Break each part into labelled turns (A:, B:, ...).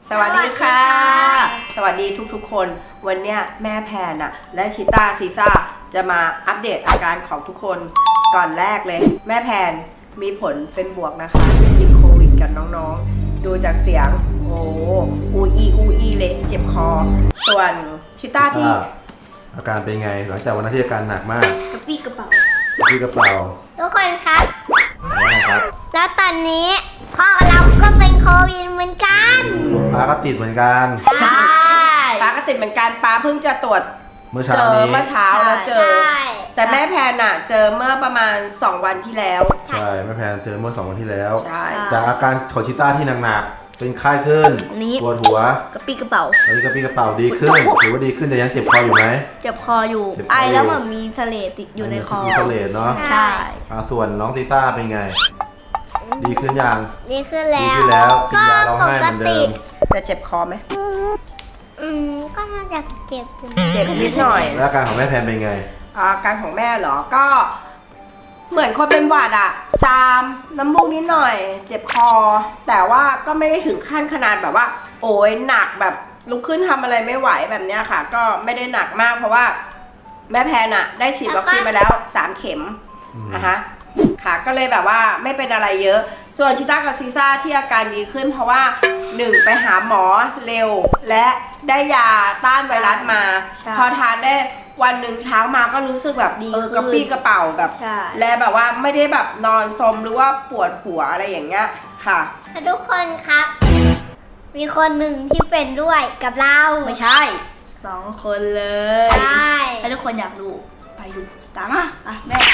A: สวัสดีค่ะ สวัสดีทุกๆคนวันเนี้ยแม่แพนน่ะและชิต้าซีซ่าจะมาอัปเดตอาการของทุกคนก่อนแรกเลยแม่แพนมีผลเป็นบวกนะคะติดโควิดกันน้องๆดูจากเสียงโอ้อูอีเลยเจ็บคอส่วนชิต้าที่
B: อาการเป็นไงหลังจากวันนั้นที่อาการหนักมาก
C: กระปี้กระเป๋า
B: ที่กระเป๋า
C: ทุกคนครับ
B: ว่าไงครับ
C: แล้วตอนนี้พ่อเราก็เป็นโควิดเหมือนกัน
B: ป้าก็ติดเหมือนกัน
C: ใช่
A: ป้าก็ติดเหมือนกันป้าเพิ่งจะตรวจ
B: เมื่อเช้า
A: แล้วเจอแต่แม่แพนน่ะเจอเมื่อประมาณ2วันที่แล้ว
B: ใช่แม่แพนเจอเมื่อ2วันที่แล้ว
A: ใช่
B: จากอาการของชิต้าที่หนักๆเป็นไข้ขึ้นปวดหัว
C: กระปี้กระเป๋า
B: ตอนนี้กระปี้กระเป๋าดีขึ้นถือว่าดีขึ้นแต่ยังเจ็บคออยู่ไหม
C: เจ็บคออยู่ไอแล้วมันมีเสลดติดอยู่ในคอ
B: มีเสลดเนาะ
C: ใช่
B: ส่วนน้องซิต้าเป็นไงดีขึ้นยัง
C: ดีขึ้นแล้ว
B: กินยาร้องไห้เหมือนเดิม
A: แต่เจ็บคอไหม
C: ก็น่าจะเจ็บ
A: นิดหน่อย
B: แล้วอาการของแม่แพนเป็นไง
A: อาการของแม่เหรอก็เหมือนคนเป็นหวัดอะจามน้ำมูกนิดหน่อยเจ็บคอแต่ว่าก็ไม่ได้ถึงขั้นขนาดแบบว่าโอ้ยหนักแบบลุกขึ้นทำอะไรไม่ไหวแบบเนี้ยค่ะก็ไม่ได้หนักมากเพราะว่าแม่แพนอะได้ฉีดวัคซีนไปแล้ว3 เข็มนะคะค่ะก็เลยแบบว่าไม่เป็นอะไรเยอะส่วนชิต้ากับซีซ่าที่อาการดีขึ้นเพราะว่า1ไปหาหมอเร็วและได้ยาต้านไวรัสมาพอทานได้วันหนึ่งเช้ามาก็รู้สึกแบบกระปี้กระเป๋าแบบและแบบว่าไม่ได้แบบนอนซมหรือว่าปวดหัวอะไรอย่างเงี้ยค่ะ
C: ทุกคนครับมีคนหนึ่งที่เป็นด้วยกับเรา
A: ไม่ใช่2 คนเลย
C: ใช่
A: ถ้าทุกคนอยากรู้ไปดูตามมาแม่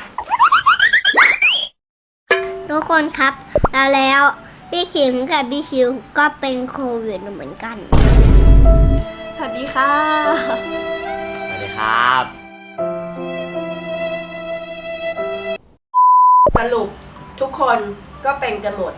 C: ทุกคนครับแล้วพี่ขิมกับพี่ชิวก็เป็นโควิดเหมือนกัน
A: สวัสดีค่ะ
D: สวัสดีครับ
A: สรุปทุกคนก็เป็นกันหมด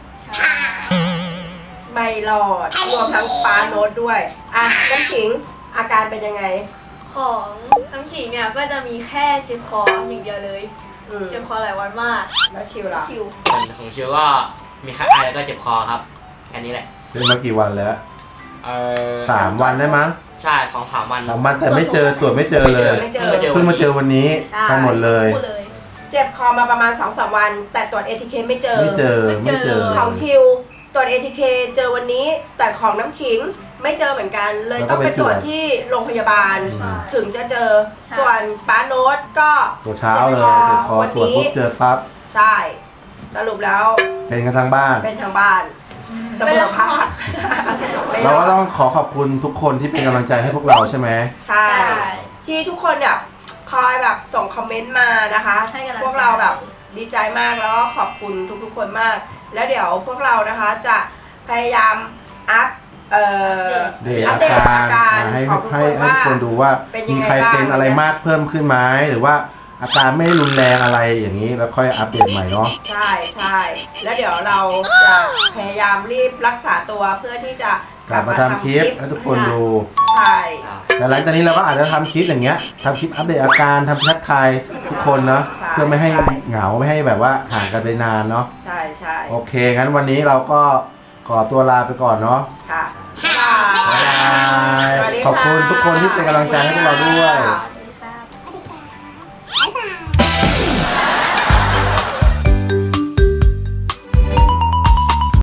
A: ไม่รอดรวมทั้งป้าโน้ตด้วยน้ำขิงอาการเป็นยังไง
E: ของน้ำขิงเนี่ยก็จะมีแค่เจ็บคออย่างเดียวเลยเจ็บคอหลายวันมาก
A: แล้วชิวล่ะ
D: ของชิวก็มีไข้ไอแล้วก็เจ็บคอครับแค่นี้แหละ
B: เป็นมากี่วันแล้ว3 วันได้มั้ง
D: ใช่2-3 วัน
B: แต่ไม่เจอตรวจไม่เจอเลยเพิ่งมาเจอวันนี้ทั้งหมดเลย
A: เจ็บคอมาประมาณ 2-3 วันแต่ตรวจ ATK ไม่เจอของชิวตรวจ ATK เจอวันนี้แต่ของน้ำขิงไม่เจอเหมือนกันเลยต้องไปตรวจที่โรงพยาบาลถึงจะเจอส่วนป้าโน้ตก็
B: ตรวจเช้าเลยพอตรวจปุ๊บเจอปั๊บ
A: ใช่สรุปแล้ว
B: เป็นกันทั้งบ้าน
A: เสมอภาค
B: เราก็ต้องขอบคุณทุกคนที่เป็นกำลังใจให้พวกเราใช่ไหม
A: ใช่ที่ทุกคนแบบคอยแบบส่งคอมเมนต์มานะคะพวกเราแบบดีใจมากแล้วก็ขอบคุณทุกคนมากแล้วเดี๋ยวพวกเรานะคะจะพยายามอัปเดตอาการของทุกคนว่า
B: คนดูว่ามีใครเป็นอะไรมากเพิ่มขึ้นไหมหรือว่าอาการไม่รุนแรงอะไรอย่างนี้แล้วค่อยอัปเดตใหม่เนาะ
A: ใช่แล้วเดี๋ยวเราจะพยายามรีบรักษาตัวเพื่อที่จะ
B: กลับมาทำคลิปให้ทุกคนดู
A: ใช่
B: แต่หลังจากนี้เราก็อาจจะทำคลิปอย่างเงี้ยทำคลิปอัปเดตอาการทำทักทายทุกคนเนาะเพื่อไม่ให้เหงาไม่ให้แบบว่าห่างกันไปนานเนาะ
A: ใช่
B: โอเคงั้นวันนี้เราก็ขอตัวลาไปก่อนเนาะ
A: ค่ะ
B: ขอบคุณทุกคนที่เป็นกำลังใจให้พวกเราด้วย